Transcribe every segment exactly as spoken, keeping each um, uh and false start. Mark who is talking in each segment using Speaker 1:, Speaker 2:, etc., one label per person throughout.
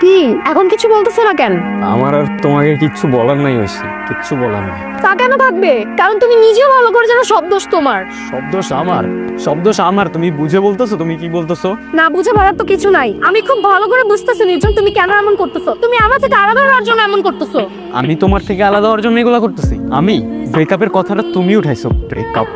Speaker 1: কি এখন কিছু বলতেছে না কেন?
Speaker 2: আমার আর তোমাকে কিচ্ছু বলার নাই ঐশী, কিচ্ছু বলার নাই।
Speaker 1: তা কেন থাকবে? কারণ তুমি নিজেও ভালো করে জানো সব দোষ তোমার।
Speaker 2: সব দোষ আমার? সব দোষ আমার? তুমি বুঝে বলতেছো? তুমি কি বলতেছো?
Speaker 1: না বুঝে ভাড়ার তো কিছু নাই। আমি খুব ভালো করে বুঝতেছি নির্জন তুমি কেন এমন করতেছো। তুমি আমার থেকে আলাদা হওয়ার জন্য এমন করতেছো।
Speaker 2: আমি তোমার থেকে আলাদা হওয়ার জন্য এগুলো করতেছি? আমি ব্রেকআপের কথাটা তুমি উঠাইছো। ব্রেকআপ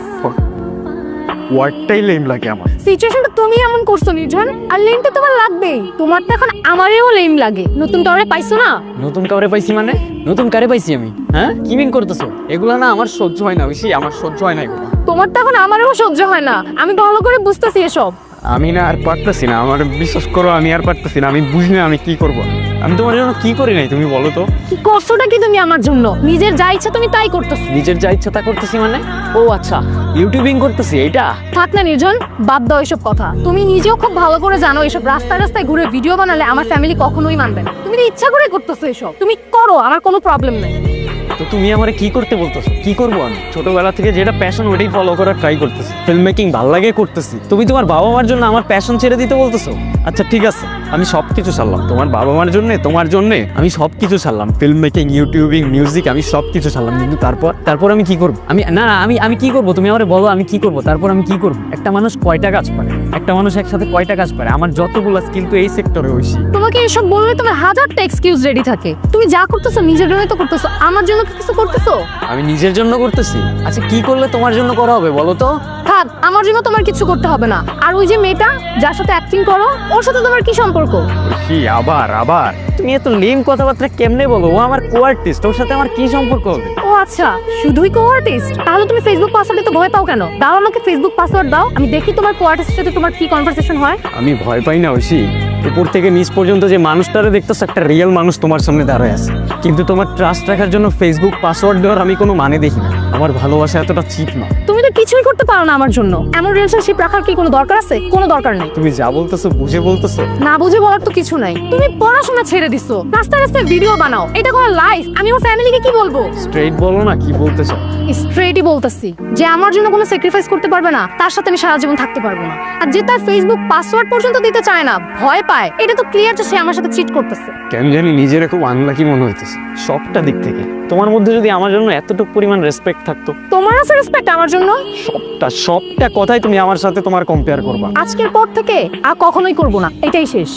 Speaker 2: ওয়ার্ডটাই লেম লাগে আমার।
Speaker 1: সিচুয়েশনটা তুমি এমন করছো নির্জন, আর লেম তো তোমার লাগবেই। তোমার তো এখন আমারেও লেম লাগে। নতুন কাউরে পাইছো না?
Speaker 2: নতুন কাউরে পাইছি মানে? নতুন কারে পাইছি আমি? হ্যাঁ কি মিন করতেছো? এগুলা না আমার সহ্য হয় না ঐশী, আমার সহ্য হয় না এগুলো।
Speaker 1: তোমার তো এখন আমারেও সহ্য হয় না। আমি ভালো করে বুঝতেছি এসব।
Speaker 2: আমি না আর পারতেছি না, আমার বিশ্বাস করো আমি আর পারতেছি না। আমি বুঝি না আমি কি করব। আমি তোমার জন্য কি করি নাই তুমি বলো তো?
Speaker 1: কি করছোটা কি তুমি আমার জন্য? নিজের যা ইচ্ছা তুমি তাই করতেছো।
Speaker 2: নিজের যা ইচ্ছা তা করতেছি মানে? ও আচ্ছা, ইউটিউবিং করতেছি এইটা?
Speaker 1: থাক না নির্জন, বাদ দাও এসব কথা। তুমি নিজেও খুব ভালো করে জানো এসব রাস্তায় রাস্তায় ঘুরে ভিডিও বানালে আমার ফ্যামিলি কখনোই মানবে না। তুমি তো ইচ্ছা করে করতেছো এসব। তুমি করো, আমার কোনো প্রবলেম নেই।
Speaker 2: তো তুমি আমারে কি করতে বলতেছো? কি করবো আমি? ছোটবেলা থেকে যেটা প্যাশন ওটাই ফলো করার ট্রাই করতেছি। ফিল্ম মেকিং ভালো লাগে করতেছি। তুমি তোমার বাবা মার জন্য আমার প্যাশন ছেড়ে দিতে বলতেছো? আচ্ছা ঠিক আছে, আমি সব কিছু ছাড়লাম তোমার বাবা মার জন্য, তোমার জন্য আমি সব কিছু ছাড়লাম। ফিল্ম মেকিং, ইউটিউবিং, মিউজিক, আমি সব কিছু ছাড়লাম। কিন্তু তারপর তারপর আমি কি করবো? আমি না না আমি আমি কি করবো? তুমি আমারে বলো আমি কি করবো? তারপর আমি কি করবো? একটা মানুষ কয়টা কাজ পারে? একটা মানুষ একসাথে কয়টা কাজ পারে? আমার যতগুলো স্কিল তো এই সেক্টরে হইছি।
Speaker 1: তোমাকে এসব বললে তোমার হাজারটা এক্সকিউজ রেডি থাকে। তুমি যা করতেছো নিজের জন্য তো করতেছো, আমার জন্য কি কিছু করতেছো?
Speaker 2: আমি নিজের জন্য করতেছি। আচ্ছা কি করলে তোমার জন্য করা হবে বলো তো?
Speaker 1: থাক, আমার জন্য তোমার কিছু করতে হবে না। আর ওই যে মেয়েটা যার সাথে অ্যাক্টিং করো, ওর সাথে তোমার কি সম্পর্ক?
Speaker 2: কি আবার আবার তুমি এত লেম কথাবার্তা কেমনে বলো? ও আমার কো আর্টিস্ট, ওর সাথে আমার কি সম্পর্ক হবে?
Speaker 1: ও আচ্ছা, শুধুই কো আর্টিস্ট? তাহলে তুমি ফেসবুক পাসওয়ার্ডে তো ভয় পাও কেন? দাও আমাকে ফেসবুক পাসওয়ার্ড দাও, আমি দেখি তোমার কো আর্টিস্টের সাথে তোমার কি কনভারসেশন হয়।
Speaker 2: আমি ভয় পাই না ঐশী। উপর থেকে নিচ পর্যন্ত যে মানুষটারে দেখতেছ, একটা রিয়েল মানুষ তোমার সামনে দাঁড়ায় আছে। কিন্তু তোমার ট্রাস্ট রাখার জন্য ফেসবুক পাসওয়ার্ড দেওয়ার আমি কোনো মানে দেখি না। আমার ভালোবাসা এতটা চিপ না।
Speaker 1: তুমি তো কিছুই করতে পারো না আমার জন্য। এমন রিলেশনশিপ রাখার কি কোনো দরকার আছে? কোনো দরকার নেই।
Speaker 2: তুমি যা বলতেছো বুঝে বলতেছো?
Speaker 1: না বুঝে বলার তো কিছু নাই। তুমি পড়াশোনা ছেড়ে দিছো, রাস্তায় রাস্তায় ভিডিও বানাও। এটা কোনো লাইফ? আমি আমার ফ্যামিলিকে কি বলবো?
Speaker 2: স্ট্রেইট বলো না কি বলতে চাও।
Speaker 1: স্ট্রেটই বলতেছি যে আমার জন্য কোনো স্যাক্রিফাইস করতে পারবে না, তার সাথে আমি সারা জীবন থাকতে পারবো না। আর যে তার ফেসবুক পাসওয়ার্ড পর্যন্ত দিতে চায় না, ভয় পায়, এটা তো ক্লিয়ার যে সে আমার সাথে চিট করতেছে।
Speaker 2: কেন জানি নিজের খুব আনলাকি মনে হইতেছে সবটা দিক থেকে। তোমার মধ্যে যদি আমার জন্য এতটুকু পরিমাণ রেসপেক্ট থাকতো।
Speaker 1: তোমার আছে রেসপেক্ট আমার জন্য?
Speaker 2: সবটা সবটা কথাই তুমি আমার সাথে তোমার কম্পেয়ার করবা।
Speaker 1: আজকের পর থেকে আর কখনোই করব না, এটাই শেষ।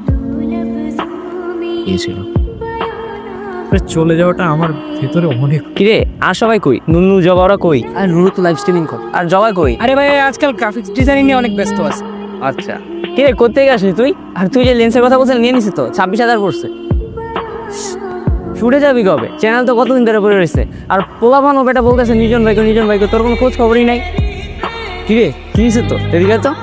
Speaker 3: ছিল চলে যাওয়াটা আমার ভেতরে অনেক।
Speaker 4: কিরে আর সবাই কই? নুনু জবাওরা কই? আর নুনু তো লাইভ স্ট্রিমিং কর। আর জবাই কই?
Speaker 5: আরে ভাই আজকাল গ্রাফিক্স ডিজাইনিং নিয়ে অনেক ব্যস্ত আছে।
Speaker 4: আচ্ছা কিরে কোত্থেকে আসলি তুই? আর তুই যে লেন্সের কথা বলছিস নিয়ে নিছিস তো? ছাব্বিশ হাজার পড়ছে। ছুটে যাবি কবে? চ্যানেল তো কতদিন ধরে পড়ে রয়েছে। আর পোলাপান ও বেটা বলতেছে নিজন ভাইকে নিজন ভাইকে, তোর কোনো খোঁজ খবরই নাই। কিরে কি হয়েছে তো? এদিকে তো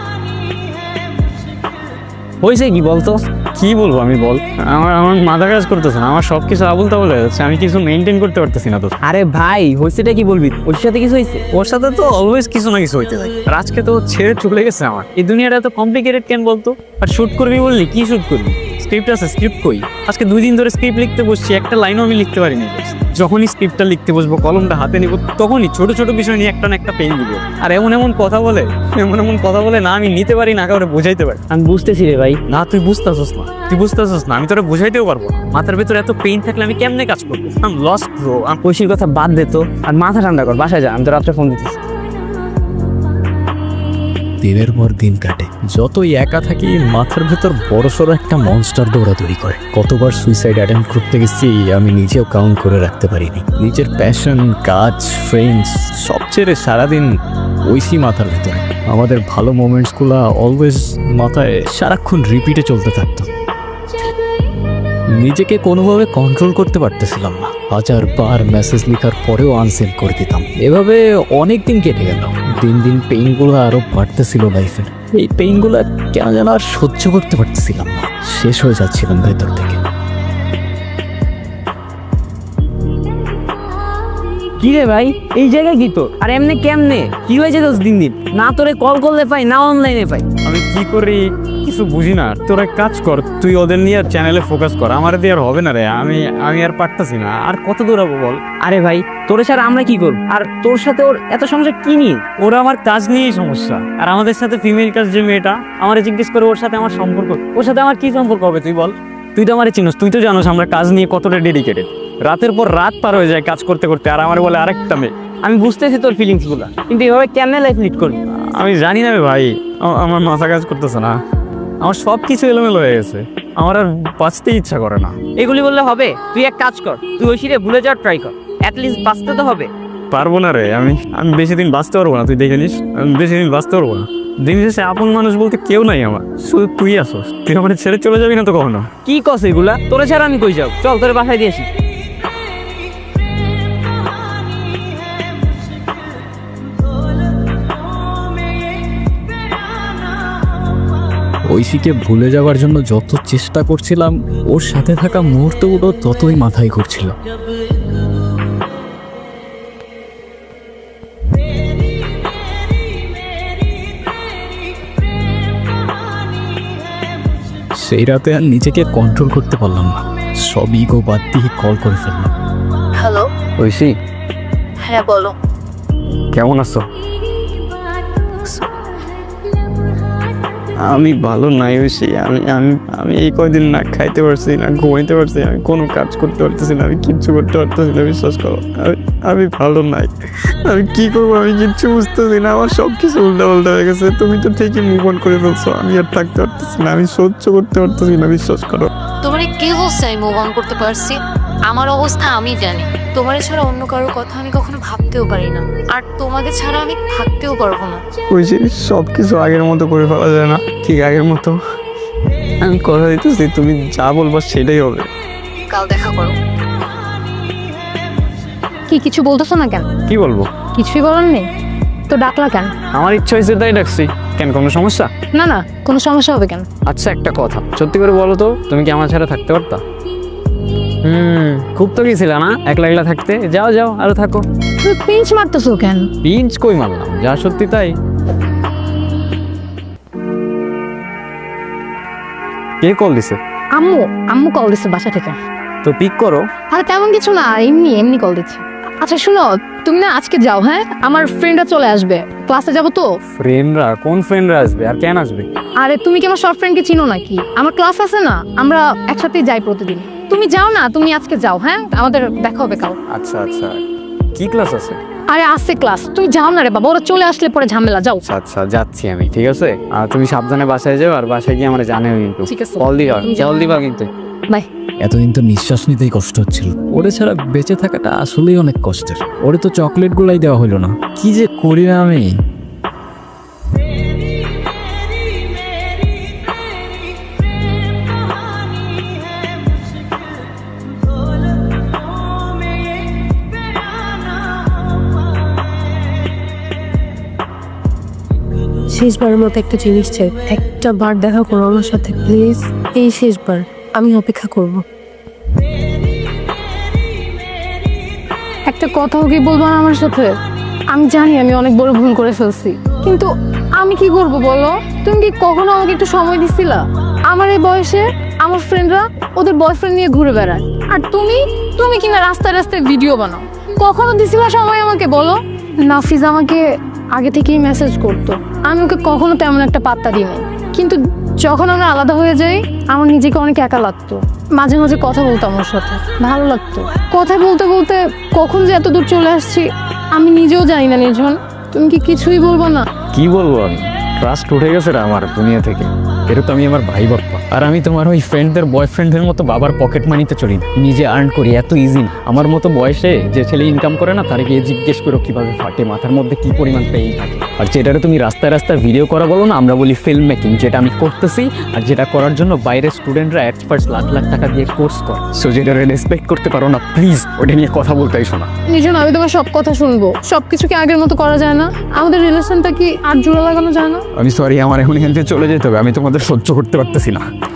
Speaker 4: হয়েছে কি বলতো?
Speaker 2: কি বলবো আমি বল? আমার আমার মাথা কাজ করতেছে না, আমার সব কিছু আবুল তাবুল হয়ে যাচ্ছে। আমি কিছু মেনটেন করতে পারতেছি না তো।
Speaker 4: আরে ভাই হয়েছেটা কি বলবি? ওর সাথে কিছু হয়েছে?
Speaker 2: ওর সাথে তো অলওয়েজ কিছু না কিছু হইতে থাকে। আর আজকে তো ছেড়ে চলে গেছে আমার। এই দুনিয়াটা তো কমপ্লিকেটেড কেন বলতো? আর শুট করবি বললি, কি শুট করবি? স্ক্রিপ্ট আছে, স্ক্রিপ্ট কই? আজকে দুই দিন ধরে স্ক্রিপ্ট লিখতে বসছি, একটা লাইনও আমি লিখতে পারিনি। যখনই স্ক্রিপ্টটা লিখতে বসবো, কলমটা হাতে নিব, তখনই ছোট ছোট বিষয় নিয়ে একটা না একটা পেন দিব। আর এমন এমন কথা বলে, এমন এমন কথা বলে না আমি নিতে পারি না কাউরে বোঝাইতে পারি।
Speaker 4: আমি বুঝতেছি রে ভাই।
Speaker 2: না তুই বুঝতেছস না, তুই বুঝতেছস না। আমি তোরা বোঝাইতেও পারবো না। মাথার ভেতরে এত পেইন থাকলে আমি কেমনে কাজ করবো? I'm lost bro.
Speaker 4: ঐশীর কথা বাদ দে তো, আর মাথা ঠান্ডা কর, বাসায় যা। আমি তো রাত্রে ফোন দিতেছি।
Speaker 3: দিনের পর দিন কাটে, যতই একা থাকি মাথার ভেতর বড়সড় একটা মনস্টার দৌড়াদৌড়ি করে। কতবার সুইসাইড অ্যাটেম্প করতে গেছি আমি নিজেও কাউন্ট করে রাখতে পারিনি। নিজের প্যাশন, কাজ, ফ্রেন্ডস সব ছেড়ে সারাদিন ঐশী মাথার ভেতরে। আমাদের ভালো মোমেন্টসগুলো অলওয়েজ মাথায় সারাক্ষণ রিপিটে চলতে থাকতো। নিজেকে কোনোভাবে কন্ট্রোল করতে পারতেছিলাম না। হাজার বার মেসেজ লেখার পরেও আনসেন্ড করে দিতাম। এভাবে অনেক দিন কেটে গেল। দিন দিন পেইনগুলো আরো বাড়তেছিল লাইফের। এই পেইনগুলো কেন যেন আর সহ্য করতে পারতেছিলাম না, শেষ হয়ে যাচ্ছিলাম ভেতর থেকে।
Speaker 4: কি রে ভাই এই জায়গায় কি তো? আর এমনি কেমনে কি হয়েছে দোষ? দিন দিন না তোরে কল করলে পাই, না অনলাইনে পাই।
Speaker 2: আমি কি করি কিছু বুঝি না। তোর এক কাজ কর, তুই ওদের নিয়ে আর চ্যানেলে ফোকাস কর। আমার দিয়ে আর হবে না রে। আমি আমি আর পারতাছি না। আর কত দৌড়াবো বল?
Speaker 4: আরে ভাই তোরে ছাড়া আমরা কি করব? আর তোর সাথে ওর এত সমস্যা কি নিয়ে?
Speaker 2: ওরা আমার কাজ নিয়েই সমস্যা। আর আমাদের সাথে ফিমেল কাজ যে মেয়েটা আমার জিজ্ঞেস করে ওর সাথে আমার সম্পর্ক, ওর সাথে আমার কি সম্পর্ক হবে তুই বল? তুই তো আমার চিনোস, তুই তো জানোস আমরা কাজ নিয়ে কতটা ডেডিকেটেড। রাতের পর রাত পার হয়ে যায় কাজ করতে করতে, আর আমার বলে আরেকটা মেয়ে।
Speaker 4: আমি বুঝতেছি তোর ফিলিংসগুলো, কিন্তু এভাবে কেমনে লাইফ লিড করবি?
Speaker 2: আমি জানি না রে ভাই, আ- আমার মাথা কাজ করতেছে না, আমার সব কিছু এলোমেলো হয়ে গেছে, আমার আর বাঁচতেই ইচ্ছা করে না।
Speaker 4: এগুলি বললে হবে? তুই এক কাজ কর, তুই ঐশীরে ভুলে যাওয়ার ট্রাই কর, অ্যাটলিস্ট বাঁচতে তো হবে।
Speaker 2: পারবো না রে, আমি আমি বেশি দিন বাঁচতে পারবো না, তুই দেখে নিস, আমি বেশি দিন বাঁচতে পারবো না। দিন শেষে আপন মানুষ বলতে কেউ নাই আমার, শুধু তুই আসোস। তুই আমার ছেড়ে চলে যাবি না তো কখনো?
Speaker 4: কি কস এগুলা? তোরে ছাড়া আমি কই যাও? চল তোরে বাসায় দিয়েছি।
Speaker 3: ঐশীকে ভুলে যাওয়ার জন্য যত চেষ্টা করছিলাম, ওর সাথে থাকা মুহূর্তগুলো ততই মাথায় ঘুরছিল। সেই রাতে আর নিজেকে কন্ট্রোল করতে পারলাম না, সব ইগো বাদ দিয়ে কল করে ফেললাম।
Speaker 1: হ্যালো,
Speaker 2: ঐশী,
Speaker 1: হ্যাঁ বলো।
Speaker 2: কেমন আছো? আমি ভালো নাই ঐশী, আমি আমি আমি এই কয়দিন না খাইতে পারছি না, ঘুমাইতে পারছি, আমি কোনো কাজ করতে পারতেছি না, আমি কিচ্ছু করতে পারতেছি না, বিশ্বাস করো। আমি আমি ভালো নাই, আমি কি করবো আমি কিচ্ছু বুঝতেছি না, আমার সব কিছু উল্টা পাল্টা হয়ে গেছে। তুমি তো ঠিকই মুভ অন করে ফেলছো, আমি আর থাকতে পারতেছি না, আমি সহ্য করতে পারতেছি না, বিশ্বাস করো।
Speaker 1: তোমার কে বলছে আমি মুভ অন করতে পারছি? আমার অবস্থা আমি জানি। তোমার ছাড়া অন্য কারোর কথা আমি কখনো ভাবতেও পারি না, আর তোমাকে ছাড়া আমি থাকতেও পারবো না।
Speaker 2: ঐশী, সব কিছু আগের মতো করে ফেলা যায় না, ঠিক আগের মতো। আমি কথা দিতেছি, তুমি যা বলবা সেটাই হবে।
Speaker 1: কাল দেখা করো। কি কিছু বলতেছো না কেন?
Speaker 2: কি বলবো?
Speaker 1: কিছুই বলার নেই তো ডাকলা কেন?
Speaker 2: আমার ইচ্ছা হয়েছে তাই ডাকছি। কেন, কোনো সমস্যা?
Speaker 1: না না, কোনো সমস্যা হবে কেন?
Speaker 2: আচ্ছা একটা কথা, সত্যি করে বলো তো, তুমি কি আমার ছাড়া থাকতে পারতা? হুম, খুব তো গেছিল না একলা একলা থাকতে? যাও যাও, আরো থাকো।
Speaker 1: তুমি পিঞ্চ মারতেছো কেন?
Speaker 2: পিঞ্চ কই মারলাম, যা সত্যি তাই। কে কল দিছে?
Speaker 1: আম্মু আম্মু কল দিচ্ছে বাসা থেকে।
Speaker 2: তো পিক করো।
Speaker 1: আরে তেমন কিছু না, এমনি এমনি কল দিচ্ছে। আচ্ছা শুনো, তুমি না আজকে যাও, হ্যাঁ? আমার ফ্রেন্ডরা চলে আসবে, ক্লাসে যাবো তো।
Speaker 2: ফ্রেন্ডরা? কোন ফ্রেন্ডরা আসবে আর কেন আসবে?
Speaker 1: আরে তুমি কি আমার সব ফ্রেন্ডকে চিনো নাকি? আমার ক্লাস আছে না, আমরা একসাথে যাই প্রতিদিন। তুমি যাও না, তুমি আজকে যাও, হ্যাঁ? আমাদের দেখা হবে কাল।
Speaker 2: আচ্ছা আচ্ছা, কি ক্লাস আছে?
Speaker 1: আরে আছে ক্লাস, তুই যাও না রে বাবা, ওরা চলে আসলে পরে ঝামেলা। যাও।
Speaker 2: আচ্ছা আচ্ছা, যাচ্ছি আমি, ঠিক আছে। আর তুমি সাবধানে বাসায় যাও, আর বাসায় গিয়ে আমার জানাও কিন্তু।
Speaker 1: ঠিক আছে।
Speaker 2: কল দিও,
Speaker 1: তুমি যাও।
Speaker 2: কল দিবা কিন্তু।
Speaker 1: বাই।
Speaker 3: এতদিন তো নিঃশ্বাস নিতেই কষ্ট হচ্ছিল, ওরে ছাড়া বেঁচে থাকাটা আসলেই অনেক কষ্টের। ওরে তো চকলেট গুলাই দেওয়া হলো না, কি যে করি না আমি।
Speaker 6: শেষবারের মতো একটা জিনিস চাই, একটা বার দেখা করো আমার সাথে প্লিজ। এই শেষবার, আমি অপেক্ষা করব।
Speaker 1: একটা কথাও কি বলবো না আমার সাথে? আমি জানি আমি অনেক বড় ভুল করে ফেলছি, কিন্তু আমি কি করব বলো? তুমি কি কখনো আমাকে একটু সময় দিছিলা? আমার এই বয়সে আমার ফ্রেন্ডরা ওদের বয়ফ্রেন্ড নিয়ে ঘুরে বেড়ায়, আর তুমি তুমি কিনা রাস্তায় রাস্তায় ভিডিও বানাও। কখনো দিছিলা সময় আমাকে বলো? নাফিজ আমাকে আগে থেকেই মেসেজ করতো, আমি ওকে কখনো তেমন একটা পাত্তা দিই নাই, কিন্তু যখন আমরা আলাদা হয়ে যাই আমার নিজেকে অনেক একা লাগতো। মাঝে মাঝে কথা বলতাম ওর সাথে, ভালো লাগতো। কথা বলতে বলতে কখন যে এত দূর চলে আসছি আমি নিজেও জানি না। নির্জন, তুমি কি কিছুই বলবো না?
Speaker 3: কি বলবো আমি, ট্রাস্ট উঠে গেছে রে আমার দুনিয়া থেকে। এটা তো আমি আমার ভাই বাপ্পা, আর আমি তোমার ওই ফ্রেন্ডদের বয়ফ্রেন্ডের মতো বাবার পকেট মানিতে চলি না, নিজে আর্ন করি, এত ইজি। আমার মতো বয়সে যে ছেলে ইনকাম করে না, তারে গিয়ে জিজ্ঞেস করো কিভাবে ফাটে, মাথার মধ্যে কি পরিমাণ পেইন থাকে। আর যেটারে তুমি রাস্তায় রাস্তায় ভিডিও করা বলো না, আমরা বলি ফিল্ম মেকিং, যেটা আমি করতেছি, আর যেটা করার জন্য বাইরের স্টুডেন্টরা অ্যাট ফার্স্ট লাখ লাখ টাকা দিয়ে কোর্স করে। সো যেটা রেসপেক্ট করতে পারো না, প্লিজ ওটা নিয়ে কথা বলতে এসো না।
Speaker 1: নির্জন, আমি তোমার সব কথা শুনবো, সবকিছু কি আগের মতো করা যায় না? আমাদের রিলেশনটা কি আর জোড়া লাগানো যায় না?
Speaker 3: আমি সরি, আমার এখন এখান থেকে চলে যেতে হবে, আমি তোমাদের সহ্য করতে পারতেছি না।